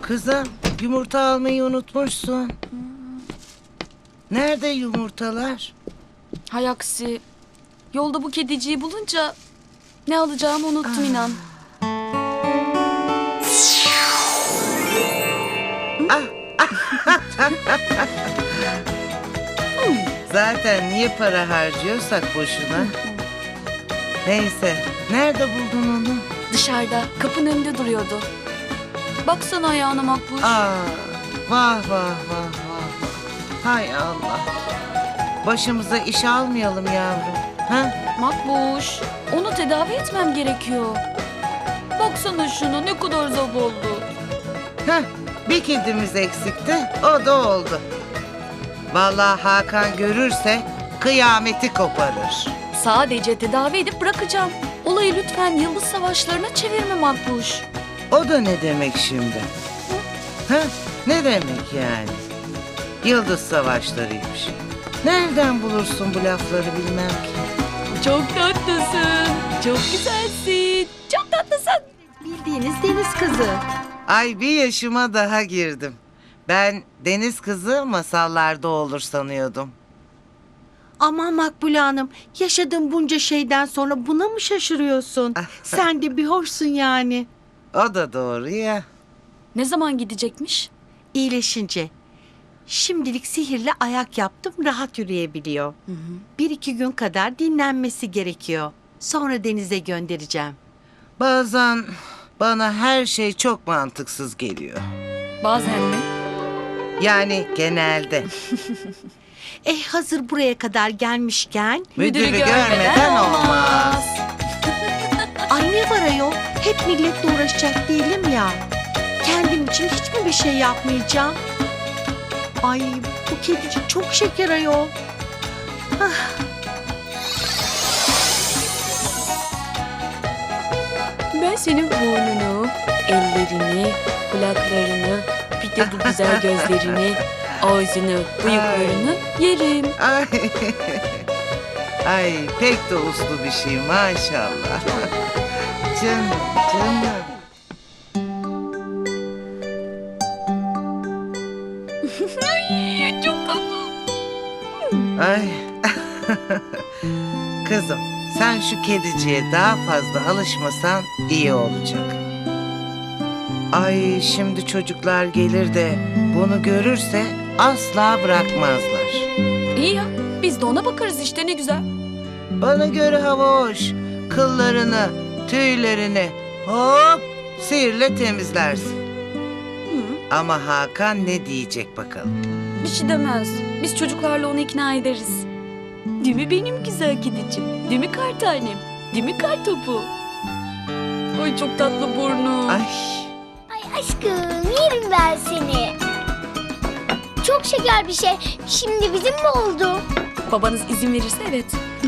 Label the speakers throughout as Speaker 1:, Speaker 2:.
Speaker 1: Kızım, yumurta almayı unutmuşsun. Nerede yumurtalar?
Speaker 2: Hay aksi. Yolda bu kediciyi bulunca ne alacağımı unuttum inan.
Speaker 1: Zaten niye para harcıyorsak boşuna. Neyse, nerede buldun onu?
Speaker 2: Dışarıda kapının önünde duruyordu. Baksana ayağına Makbuş.
Speaker 1: Vah vah vah vah. Hay Allah. Başımıza iş almayalım yavrum. Ha?
Speaker 2: Makbuş, onu tedavi etmem gerekiyor. Baksana şuna ne kadar zavallı.
Speaker 1: Heh, bir kedimiz eksikti, o da oldu. Vallahi Hakan görürse kıyameti koparır.
Speaker 2: Sadece tedavi edip bırakacağım. Olayı lütfen yıldız savaşlarına çevirme Makbuş.
Speaker 1: O da ne demek şimdi? Ha? Ne demek yani? Yıldız savaşlarıymış. Nereden bulursun bu lafları bilmem ki.
Speaker 2: Çok tatlısın, çok güzelsin, çok tatlısın.
Speaker 3: Bildiğiniz deniz kızı.
Speaker 1: Ay, bir yaşıma daha girdim. Ben deniz kızı masallarda olur sanıyordum.
Speaker 3: Aman Makbule Hanım, yaşadığın bunca şeyden sonra buna mı şaşırıyorsun? Sen de bir hoşsun yani.
Speaker 1: O da doğru ya.
Speaker 2: Ne zaman gidecekmiş?
Speaker 3: İyileşince. Şimdilik sihirle ayak yaptım, rahat yürüyebiliyor. 1-2 gün kadar dinlenmesi gerekiyor. Sonra denize göndereceğim.
Speaker 1: Bazen bana her şey çok mantıksız geliyor.
Speaker 2: Bazen mi?
Speaker 1: Yani genelde.
Speaker 3: Hazır buraya kadar gelmişken...
Speaker 1: Müdürü görmeden olmaz.
Speaker 3: Ay ne var ayol? Hep milletle uğraşacak değilim ya. Kendim için hiç mi bir şey yapmayacağım? Ay bu kedicik çok şeker ayol.
Speaker 2: Ben senin burnunu, ellerini, kulaklarını, bir de bu güzel gözlerini, ağzını, bıyıklarını yerim.
Speaker 1: Ay. Ay, pek de uslu bir şey maşallah. Canım, canım.
Speaker 2: Çok tatlı.
Speaker 1: Ay. Kızım, sen şu kediciye daha fazla alışmasan iyi olacak. Ay, şimdi çocuklar gelir de bunu görürse asla bırakmazlar.
Speaker 2: İyi ya, biz de ona bakarız işte ne güzel.
Speaker 1: Bana göre hava hoş. Kıllarını, tüylerini hop sihirle temizlersin. Ama Hakan ne diyecek bakalım?
Speaker 2: Bir şey demez. Biz çocuklarla onu ikna ederiz. Değil mi benim güzel kedicim? Değil mi kar tanem? Değil mi kar topu? Ay çok tatlı burnu.
Speaker 1: Ay.
Speaker 4: Ay aşkım yerim ben seni. Çok şeker bir şey. Şimdi bizim mi oldu?
Speaker 2: Babanız izin verirse evet.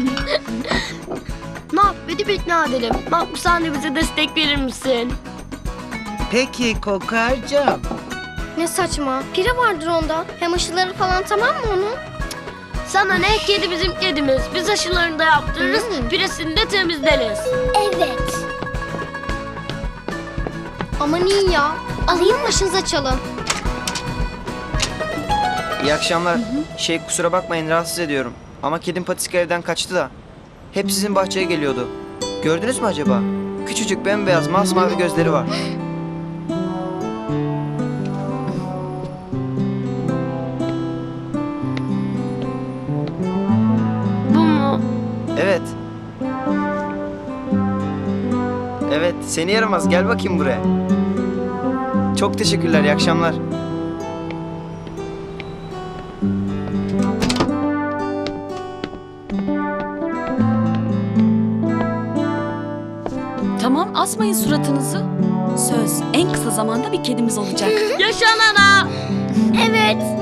Speaker 5: Ne yap? Edip ikna edelim. Makbuş sen de bize destek verir misin?
Speaker 1: Peki Kokarcığım.
Speaker 4: Ne saçma. Pire vardır onda. Hem aşıları falan tamam mı onun?
Speaker 5: Sana ne? Kedi bizim kedimiz. Biz aşılarını da yaptırırız. Piresini de temizleriz.
Speaker 4: Evet. Aman iyi ya. Alayım başınıza çalın.
Speaker 6: İyi akşamlar. Kusura bakmayın rahatsız ediyorum. Ama kedim Patiska evden kaçtı da. Hep sizin bahçeye geliyordu. Gördünüz mü acaba? Küçücük bembeyaz masmavi gözleri var.
Speaker 5: Bu mu?
Speaker 6: Evet. Evet seni yaramaz gel bakayım buraya. Çok teşekkürler iyi akşamlar.
Speaker 2: Tamam asmayın suratınızı. Söz en kısa zamanda bir kedimiz olacak.
Speaker 5: Yaşanana!
Speaker 4: Evet.